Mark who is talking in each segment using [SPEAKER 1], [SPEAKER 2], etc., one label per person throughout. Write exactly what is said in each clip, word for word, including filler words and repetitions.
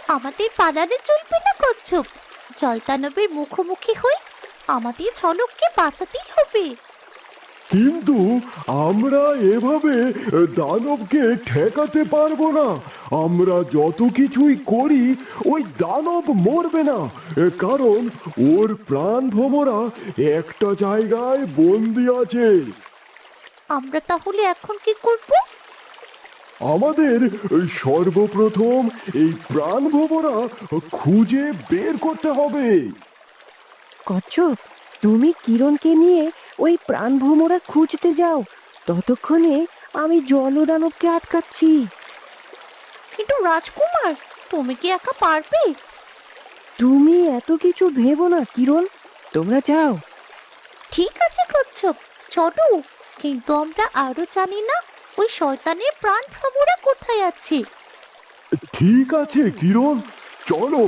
[SPEAKER 1] আমাদের পালালে চলবে না কচ্ছপ। জলদানবের মুখোমুখি হই, আমাদের ঝলককে বাঁচাতেই হবে।
[SPEAKER 2] কিন্তু আমরা এভাবে দানবকে ঠেকাতে পারবো না। আমরা যত কিছুই করি ওই দানব মরবে না, কারণ ওর প্রাণ ভোমরা একটা জায়গায় বন্দি আছে।
[SPEAKER 1] আমরা তাহলে এখন কি করব?
[SPEAKER 2] আমাদের সর্বপ্রথম এই প্রাণ ভোমরা খুঁজে বের করতে হবে।
[SPEAKER 3] কচ্ছপ, তুমি কিরণকে নিয়ে ওই প্রাণভ্রমরা খুঁজতে যাও, ততক্ষণে আমি জলদানবকে আটকাচ্ছি।
[SPEAKER 1] কিন্তু রাজকুমার, তুমি কি একা পারবে?
[SPEAKER 3] তুমি এত কিছু ভেবো না কিরণ, তোমরা যাও।
[SPEAKER 1] ঠিক আছে কচ্ছপ, চলো। কিন্তু আমরা আরো জানি না ওই শয়তানের প্রাণ ভ্রমরা কোথায় আছে।
[SPEAKER 2] ঠিক আছে কিরণ, চলো।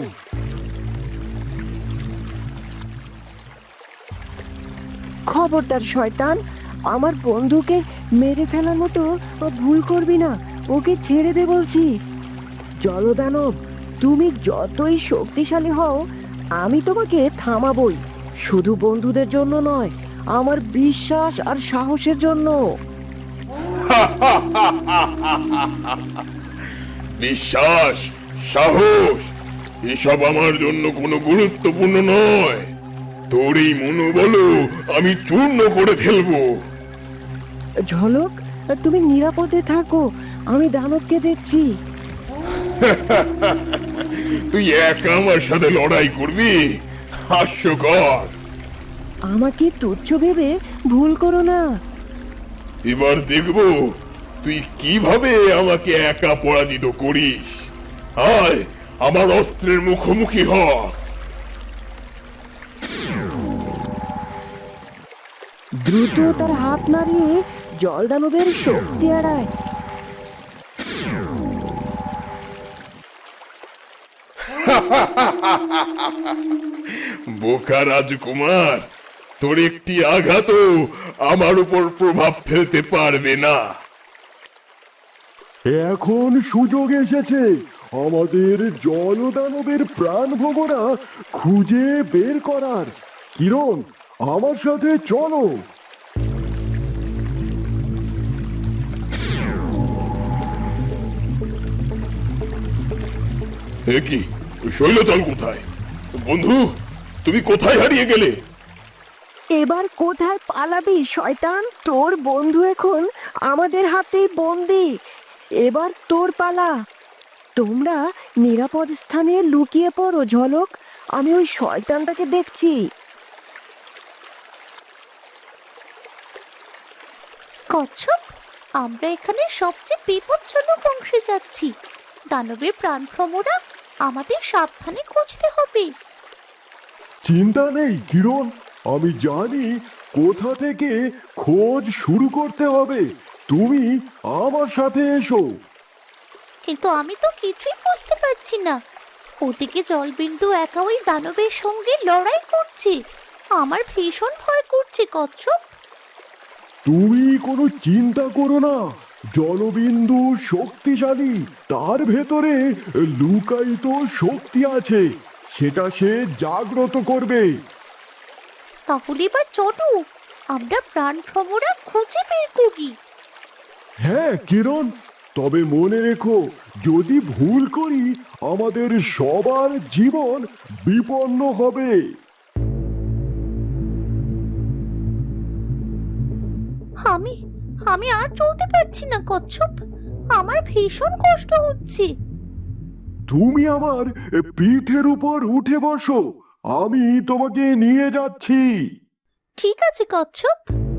[SPEAKER 3] খবরদার শয়তান, আমার বন্ধুকে মেরে ফেলার মতো ভুল করবি না, ওকে ছেড়ে দে বলছি। জলদানব, তুমি যতই শক্তিশালী হও, আমি তোমাকে থামাবই, শুধু বন্ধুদের জন্য নয়, আমার বিশ্বাস আর সাহসের জন্য।
[SPEAKER 4] বিশ্বাস, সাহস এসব আমার জন্য কোনো গুরুত্বপূর্ণ নয়। তোর এই মনোবল আমি চূর্ণ করে ফেলবো।
[SPEAKER 3] ঝলক, তুমি নিরাপদে থাকো, আমি দানবকে দেখছি।
[SPEAKER 4] তুই একা আমার সাথে লড়াই করবি? হাস্যকর।
[SPEAKER 3] আমাকে তুচ্ছ ভেবে ভুল করো না।
[SPEAKER 4] এবার দেখবো তুই কিভাবে আমাকে একা পরাজিত করিস। আয় আমার অস্ত্রের মুখোমুখি হ।
[SPEAKER 3] দ্রুত তার হাত নাড়িয়ে জলদানবের শক্তি এড়ায়।
[SPEAKER 4] বোকা রাজকুমার, তোর একটি আঘাতও আমার উপর প্রভাব ফেলতে পারবে না।
[SPEAKER 2] এখন সুযোগ এসেছে আমাদের জলদানবের প্রাণ ভোমরা খুঁজে বের করার। কিরণ, আমার সাথে চলো।
[SPEAKER 4] এ কি, শৈলতল কোথায়? বন্ধু, তুমি কোথায় হারিয়ে গেলে?
[SPEAKER 3] এবার কোথায় পালাবি শয়তান? তোর বন্ধু এখন আমাদের হাতেই বন্দি। এবার তোর পালা। তোমরা নিরাপদ স্থানে লুকিয়ে পড়ো ঝলক, আমি ওই শয়তানটাকে দেখছি।
[SPEAKER 1] কচ্ছপ, আমরা এখানে সবচেয়ে বিপজ্জনক অংশে যাচ্ছি। দানবের প্রাণ ভ্রমরা আমাদের সাবধানে খুঁজতে হবে।
[SPEAKER 2] চিন্তা নেই কিরণ, আমি জানি কোথা থেকে খোঁজ শুরু করতে হবে। তুমি আমার সাথে এসো।
[SPEAKER 1] কিন্তু আমি তো কিছুই বুঝতে পারছি না। ওদিকে জলবিন্দু একা ওই দানবের সঙ্গে লড়াই করছে। আমার ভীষণ ভয় করছে কচ্ছপ।
[SPEAKER 2] তুমি কোনো চিন্তা করো না, জলবিন্দু শক্তিশালী, তার ভেতরে লুকায়িত শক্তি আছে, সেটা সে জাগ্রত করবে।
[SPEAKER 1] তাহলে এবার চলো, আমরা প্রাণ ভ্রমরা খুঁজে বের করি।
[SPEAKER 2] হ্যাঁ কিরণ, তবে মনে রেখো, যদি ভুল করি আমাদের সবার জীবন বিপন্ন হবে।
[SPEAKER 1] আমি আমি আর চলতে পারছি না কচ্ছপ, আমার ভীষণ কষ্ট হচ্ছে।
[SPEAKER 2] তুমি আমার পিঠের উপর উঠে বসো, আমি তোমাকে নিয়ে যাচ্ছি।
[SPEAKER 1] ঠিক আছে কচ্ছপ।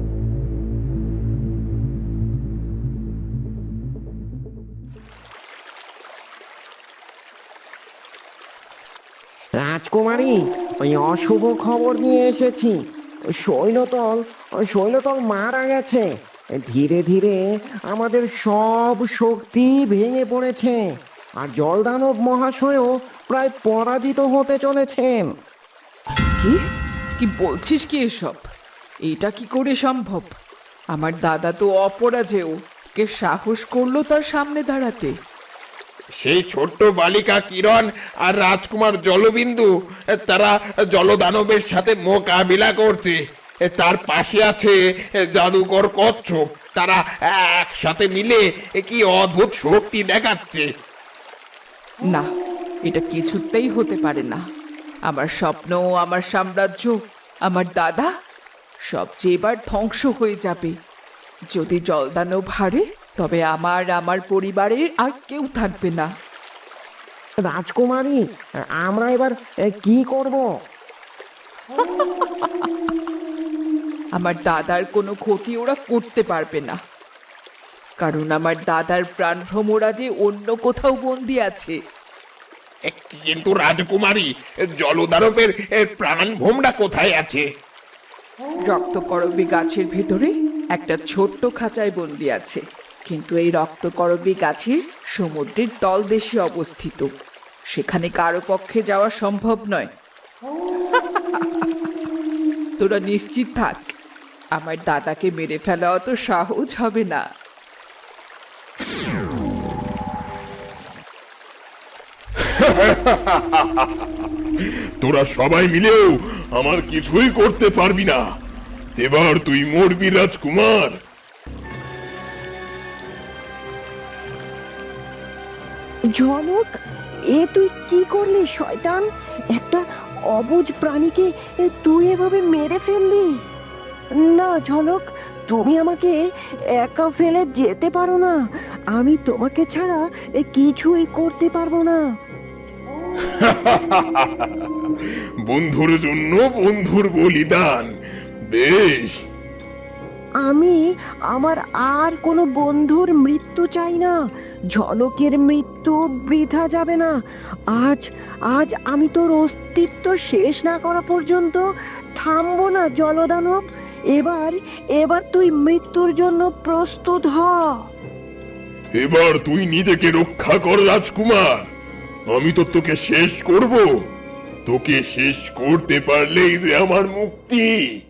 [SPEAKER 5] রাজকুমারী, ওই অশুভ খবর নিয়ে এসেছি। শৈলতল শৈলতল মারা গেছে। ধীরে ধীরে আমাদের সব শক্তি ভেঙে পড়েছে, আর জলদানব মহাশয়ও প্রায় পরাজিত হতে চলেছেন।
[SPEAKER 6] কি কি বলছিস কি এসব? এটা কি করে সম্ভব? আমার দাদা তো অপরাজেয়, কে সাহস করলো তার সামনে দাঁড়াতে?
[SPEAKER 4] সেই ছোট্ট বালিকা কিরণ আর রাজকুমার জলবিন্দু তারা জলদানবের সাথে মোকাবিলা করছে। তার পাশে আছে জাদুকর কচ্ছপ। তারা একসাথে মিলে কি অদ্ভুত শক্তি দেখাচ্ছে।
[SPEAKER 6] না, এটা কিছুতেই হতে পারে না। আমার স্বপ্ন, আমার সাম্রাজ্য, আমার দাদা সব যে এবার ধ্বংস হয়ে যাবে। যদি জলদানব হারে তবে আমার আমার পরিবারের আর কেউ থাকবে না।
[SPEAKER 5] রাজকুমারী, আমরা এবার এ, কি করব?
[SPEAKER 6] আমার দাদার কোনো ক্ষতি ওরা করতে পারবে না, কারণ আমার দাদার প্রাণভ্রমরা যে অন্য কোথাও বন্দি আছে।
[SPEAKER 4] কিন্তু রাজকুমারী, জলদানবের প্রাণ ভোমরা কোথায় আছে?
[SPEAKER 6] রক্তকরবী গাছের ভেতরে একটা ছোট্ট খাঁচায় বন্দি আছে, কিন্তু এই রক্তকরবী গাছের সমুদ্রের তলদেশে অবস্থিত। সেখানে কারো পক্ষে যাওয়া সম্ভব নয়। তোরা নিশ্চিত থাক, আমার দাদাকে মেরে ফেলা অত সহজ হবে না।
[SPEAKER 4] তোরা সবাই মিলেও আমার কিছুই করতে পারবি না। এবার তুই মরবি রাজকুমার।
[SPEAKER 3] ঝলক, এ তুই কি করলি শয়তান? একটা অবুঝ প্রাণীকে এ তুই এভাবে মেরে ফেললি। না ঝলক, তুমি আমাকে একা ফেলে যেতে পারো না। আমি তোমাকে ছাড়া এ কিছুই করতে পারবো না।
[SPEAKER 4] বন্ধুর জন্য বন্ধুর বলিদান, বেশ।
[SPEAKER 3] আমি আমার আর কোনো বন্ধুর মৃত্যু চাই না। ঝলকের মৃত্যু বৃথা যাবে না। আজ আজ আমি তোর অস্তিত্ব শেষ না করা পর্যন্ত থামবো না জলদানব। এবার এবার তুই মৃত্যুর জন্য প্রস্তুত হ।
[SPEAKER 4] এবার তুই নিজেকে রক্ষা কর রাজকুমার। আমি তো তোকে শেষ করব। তোকে শেষ করতে পারলেই যে আমার মুক্তি।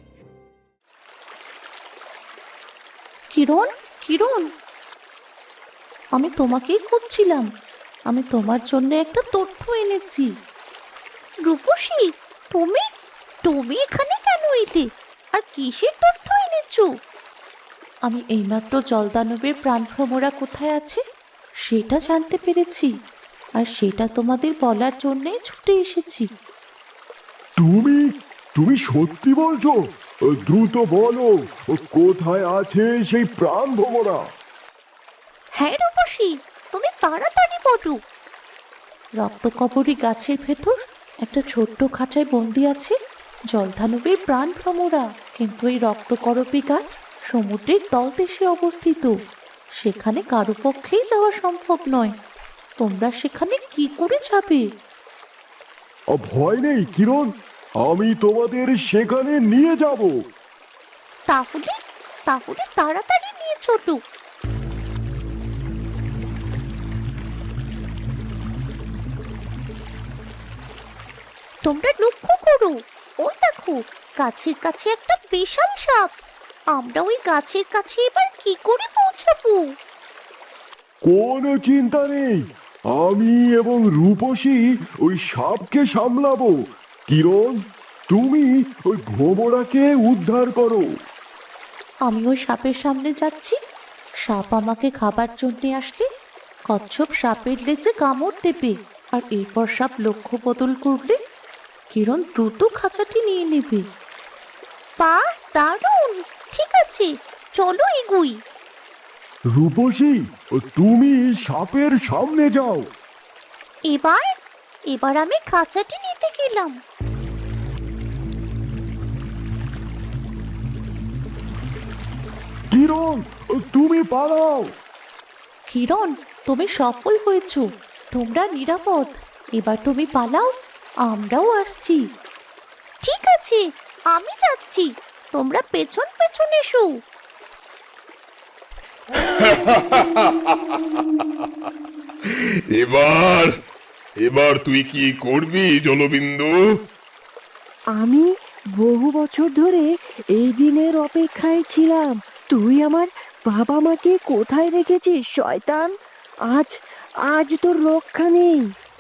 [SPEAKER 1] কিরণ, কিরণ, আমি তোমাকেই খুঁজছিলাম। আমি তোমার জন্য একটা তথ্য এনেছি। রূপসী, তুমি তুমি এখানে কেন এলে? আর কিসের তথ্য এনেছো? আমি এইমাত্র জলদানবের প্রাণভ্রমরা কোথায় আছে সেটা জানতে পেরেছি, আর সেটা তোমাদের বলার জন্যই ছুটে এসেছি।
[SPEAKER 2] তুমি তুমি সত্যি বলছো? দ্রুত বলো, কোথায় আছে সেই প্রাণ ভোমরা?
[SPEAKER 1] হ্যাঁ রূপসী, তুমি তাড়াতাড়ি বলো। রক্তকবরী গাছের ভেতর একটা ছোট্ট খাঁচায় বন্দি আছে জলধানবের প্রাণ ভ্রমরা। কিন্তু এই রক্তকরবী গাছ সমুদ্রের তলদেশে অবস্থিত। সেখানে কারো পক্ষেই যাওয়া সম্ভব নয়। তোমরা সেখানে কি করে যাবে?
[SPEAKER 2] ভয় নেই কিরণ, আমি তোমাদের সেখানে নিয়ে যাব।
[SPEAKER 1] তাহলে তাহলে তাড়াতাড়ি নিয়ে চলো। তোমরা লক্ষ্য করো, ওই দেখো গাছের কাছে একটা বিশাল সাপ। আমরা ওই গাছের কাছে এবার কি করে পৌঁছাবো?
[SPEAKER 2] কোনো চিন্তা নেই, আমি এবং রূপসী ওই সাপকে সামলাবো। কিরণ, তুমি ওই ভোমরাকে উদ্ধার করো।
[SPEAKER 1] আমি ওই সাপের সামনে যাচ্ছি। সাপ আমাকে খাবার জন্য আসলে কচ্ছপ সাপের লেজে কামড় দেবে, আর এরপর সাপ লক্ষ্য বদল করলে কিরণ দ্রুত খাঁচাটি নিয়ে নেবে। বাহ, দারুণ! ঠিক আছে, চলো এগুই।
[SPEAKER 2] রূপসী, তুমি সাপের সামনে যাও।
[SPEAKER 1] এবার এবার আমি খাঁচাটি নিতে গেলাম।
[SPEAKER 2] কিরণ, তুমি পালাও।
[SPEAKER 1] কিরণ, তুমি সফল হয়েছ। তোমরা নিরাপদ। এবার তুমি পালাও, আমরাও আসছি। ঠিক আছে, আমি যাচ্ছি। তোমরা পেছন পেছন এসো।
[SPEAKER 4] এবার এবার তুই কি করবি জলবিন্দু?
[SPEAKER 3] আমি বহু বছর ধরে এই দিনের অপেক্ষায় ছিলাম। তুই আমার বাবা মাকে কোথায় রেখেছিস শয়তান? আজ আজ তোর রক্ষা নেই।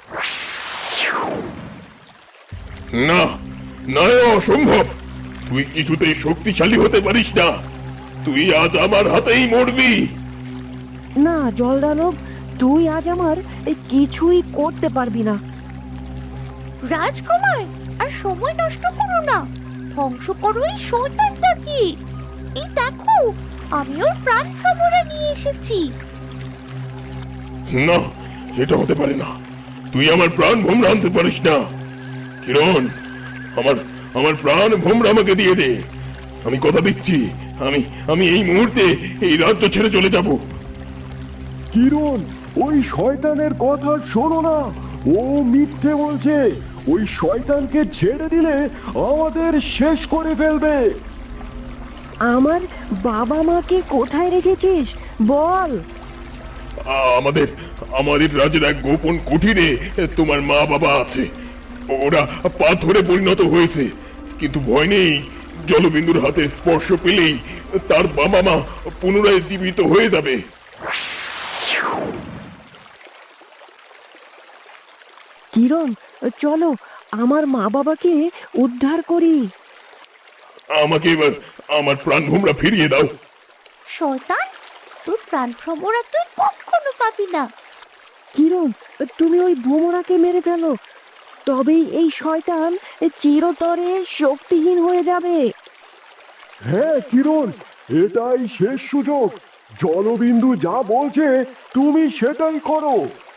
[SPEAKER 2] না না, এ অসম্ভব। তুই কিছুতেই শক্তিশালী হতে পারিস না। তুই আজ আমার হাতেই মরবি।
[SPEAKER 3] না জলদানব, তুই আজ আমার এ কিছুই করতে পারবি না।
[SPEAKER 1] রাজকুমার, আর সময় নষ্ট করো না, ধ্বংস করো এই শয়তানটাকে। এই দেখো, আমি ওর প্রাণ খবরে নিয়ে এসেছি।
[SPEAKER 2] না, এটা হতে পারে না। তুই আমার প্রাণ ভোমরা আনতে পারিস না। কিরণ, আমার আমার প্রাণ ভোমরা আমাকে দিয়ে দে। আমি কথা দিচ্ছি, আমি আমি এই মুহূর্তে এই রাজ্য ছেড়ে চলে যাব। কিরণ, ওই শয়তানের কথা শোনো না। ও মিথ্যে বলছে। ওই শয়তানকে ছেড়ে দিলে আমাদের শেষ করে ফেলবে।
[SPEAKER 3] আমার বাবা মাকে কোথায় রেখেছিস বল।
[SPEAKER 2] আমাদের আমাদের রাজ্যের এক গোপন কুঠিরে তোমার মা বাবা আছে। ওরা পাথরে পরিণত হয়েছে, কিন্তু ভয় নেই। জলবিন্দুর হাতে স্পর্শ পেলেই তার বাবা মা পুনরায় জীবিত হয়ে যাবে।
[SPEAKER 3] কিরণ, চলো আমার মা বাবাকে উদ্ধার করি।
[SPEAKER 2] আমাকে এবার আমার প্রাণ ভোমরা ফিরিয়ে দাও।
[SPEAKER 1] শয়তান, তোর প্রাণ ভ্রমরা তুই কখনো পাবি না।
[SPEAKER 3] কিরণ, তুমি ওই ভোমরাকে মেরে ফেলো, তবেই এই শয়তান চিরতরে শক্তিহীন হয়ে যাবে।
[SPEAKER 2] হ্যাঁ কিরণ, এটাই শেষ সুযোগ। জলবিন্দু যা বলছে তুমি সেটাই করো।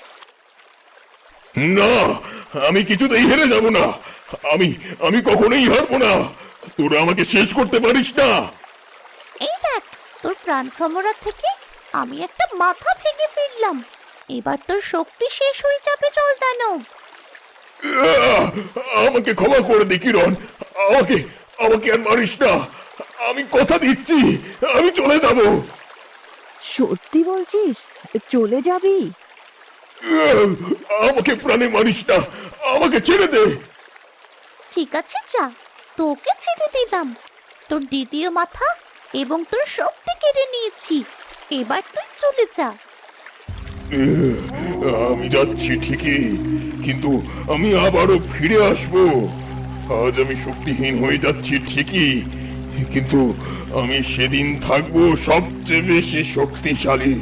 [SPEAKER 2] না, আমি কিছুতেই হেরে যাব না। আমি আমি কখনোই হারবো না। তোরা আমাকে শেষ করতে পারিস না।
[SPEAKER 1] এই দেখ, তোর প্রাণ ভ্রমরা থেকে আমি একটা মাথা ভেঙে ফিরলাম। এবার তোর শক্তি শেষ হয়ে যাবে জলদানব।
[SPEAKER 2] আহ! আমাকে ক্ষমা করে দে কিরণ। আমাকে আমাকে আর মারিস না। আমি কথা দিচ্ছি, আমি চলে যাব।
[SPEAKER 3] সত্যি বলছিস চলে যাবি?
[SPEAKER 2] আহ! আমাকে প্রাণে মারিস না, আমাকে ছেড়ে দে।
[SPEAKER 1] ঠিক আছে, যা, তোকে ছেড়ে দিলাম। তোর দ্বিতীয় মাথা এবং তোর শক্তি কেড়ে নিয়েছি। এবার তুই চলে যা।
[SPEAKER 2] আহ! আমি যাচ্ছি ঠিকই, কিন্তু আমি আবারও ফিরে আসব। আজ আমি শক্তিহীন হয়ে যাচ্ছি ঠিকই, কিন্তু আমি সেদিন থাকবো সবচেয়ে বেশি শক্তিশালী।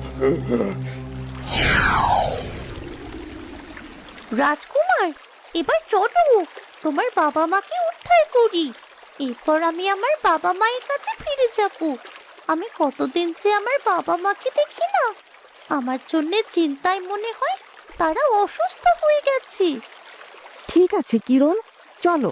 [SPEAKER 1] রাজকুমার, এবার চলো, তোমার বাবা মাকে উদ্ধার করি। এরপর আমি আমার বাবা মায়ের কাছে ফিরে যাব। আমি কতদিন যে আমার বাবা মাকে দেখি না। আমার জন্য চিন্তায় মনে হয় তারা অসুস্থ হয়ে গেছে।
[SPEAKER 3] ঠিক আছে কিরণ, চলো।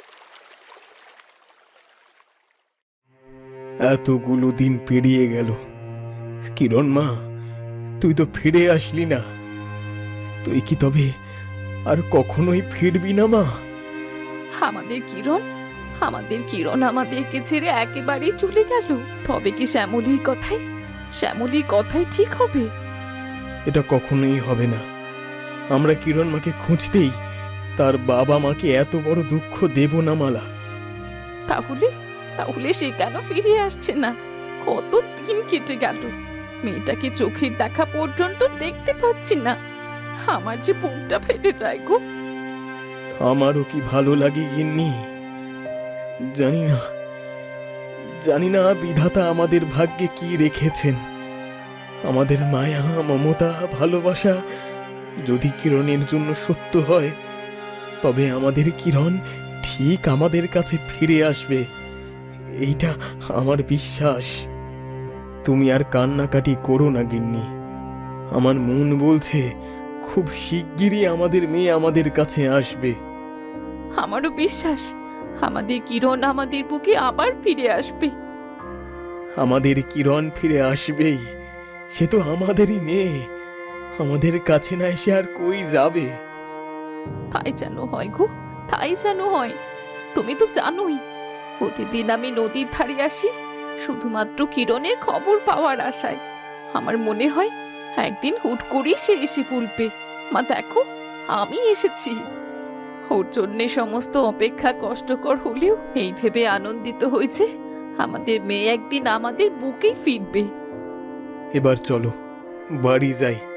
[SPEAKER 7] এতগুলো দিন পেরিয়ে গেল, কিরণ মা, তুই তো ফিরে আসলি না। তুই কি তবে আর কখনোই ফিরবি না মা?
[SPEAKER 8] আমাদের কিরণ আমাদের কিরণ আমাদেরকে ছেড়ে একেবারেই চলে গেল। তবে কি শ্যামলীর কথাই শ্যামলীর কথাই ঠিক হবে?
[SPEAKER 7] এটা কখনোই হবে না। আমরা কিরণ মাকে খুঁজতেই তার বাবা মাকে এত বড় দুঃখ দেব না মালা।
[SPEAKER 8] তাহলে তাহলে সে কেন ফিরে আসছে না? কত দিন কেটে গেল, মেয়েটাকে চোখের দেখা পর্যন্ত দেখতে পাচ্ছি না। আমার যে বুকটা ফেটে যায় গো।
[SPEAKER 7] আমারও কি ভালো লাগে গিন্নি, জানি না জানি না বিধাতা আমাদের ভাগ্যে কি রেখেছেন। আমাদের মায়া, মমতা, ভালোবাসা যদি কিরণের জন্য সত্য হয়, তবে আমাদের কিরণ ঠিক আমাদের কাছে ফিরে আসবে, এইটা আমার বিশ্বাস। তুমি আর কান্নাকাটি করো না গিন্নি। আমার মন বলছে খুব শিগগিরই আমাদের মেয়ে আমাদের কাছে আসবে।
[SPEAKER 8] আমারও বিশ্বাস আমাদের কিরণ আমাদের বুকে আবার ফিরে আসবে।
[SPEAKER 7] আমাদের কিরণ ফিরে আসবেই। সে তো আমাদেরই মেয়ে, আমাদের কাছে না এসে আর কই যাবে?
[SPEAKER 8] তাই যেন হয় গো, তাই যেন হয়। তুমি তো জানোই, প্রতিদিন আমি নদীর ধারে আসি শুধুমাত্র কিরণের খবর পাওয়ার আশায়। আমার মনে হয় একদিন হুট করেই সে এসে বলবে, মা দেখো আমি এসেছি। ওর জন্যে সমস্ত অপেক্ষা কষ্টকর হলেও এই ভেবে আনন্দিত হয়েছে আমাদের মেয়ে একদিন আমাদের বুকেই ফিরবে।
[SPEAKER 7] এবার চলো বাড়ি যাই।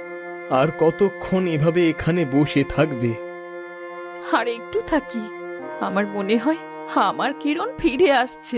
[SPEAKER 7] আর কতক্ষণ এভাবে এখানে বসে থাকবে?
[SPEAKER 8] আর একটু থাকি, আমার মনে হয় আমার কিরণ ফিরে আসছে।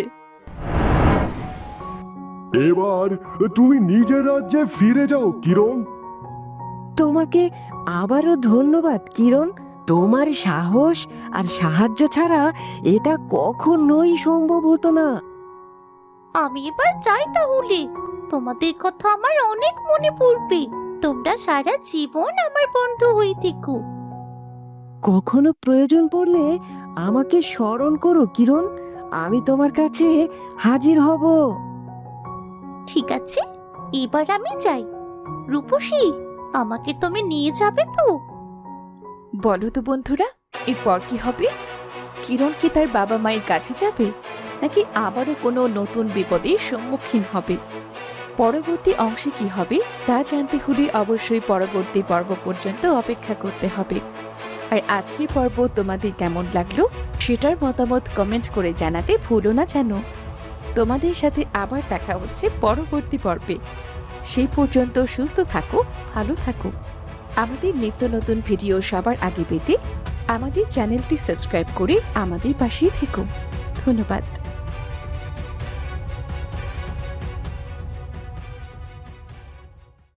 [SPEAKER 9] এবার তুমি নিজের রাজ্যে ফিরে যাও কিরণ।
[SPEAKER 3] তোমাকে আবারও ধন্যবাদ কিরণ। তোমার সাহস আর সাহায্য ছাড়া এটা কখনোই সম্ভব হতো না।
[SPEAKER 1] আমি এবার যাই তাহলে। তোমাদের কথা আমার অনেক মনে পড়বে। তোমরা সারা জীবন আমার বন্ধু হয়ে থেকো।
[SPEAKER 3] কখনো প্রয়োজন পড়লে আমাকে স্মরণ করো কিরণ, আমি তোমার কাছে হাজির হব।
[SPEAKER 1] ঠিক আছে, এবার আমি যাই। রূপসী, আমাকে তুমি নিয়ে যাবে তো?
[SPEAKER 8] বলো তো বন্ধুরা, এরপর কি হবে? কিরণ কি তার বাবা মায়ের কাছে যাবে, নাকি আবারও কোনো নতুন বিপদের সম্মুখীন হবে? পরবর্তী অংশে কি হবে তা জানতে হলে অবশ্যই পরবর্তী পর্ব পর্যন্ত অপেক্ষা করতে হবে। আর আজকের পর্ব তোমাদের কেমন লাগলো সেটার মতামত কমেন্ট করে জানাতে ভুলো না যেন। তোমাদের সাথে আবার দেখা হচ্ছে পরবর্তী পর্বে। সেই পর্যন্ত সুস্থ থাকো, ভালো থাকো। আমাদের নিত্য নতুন ভিডিও সবার আগে পেতে আমাদের চ্যানেলটি সাবস্ক্রাইব করে আমাদের পাশেই থেকো। ধন্যবাদ।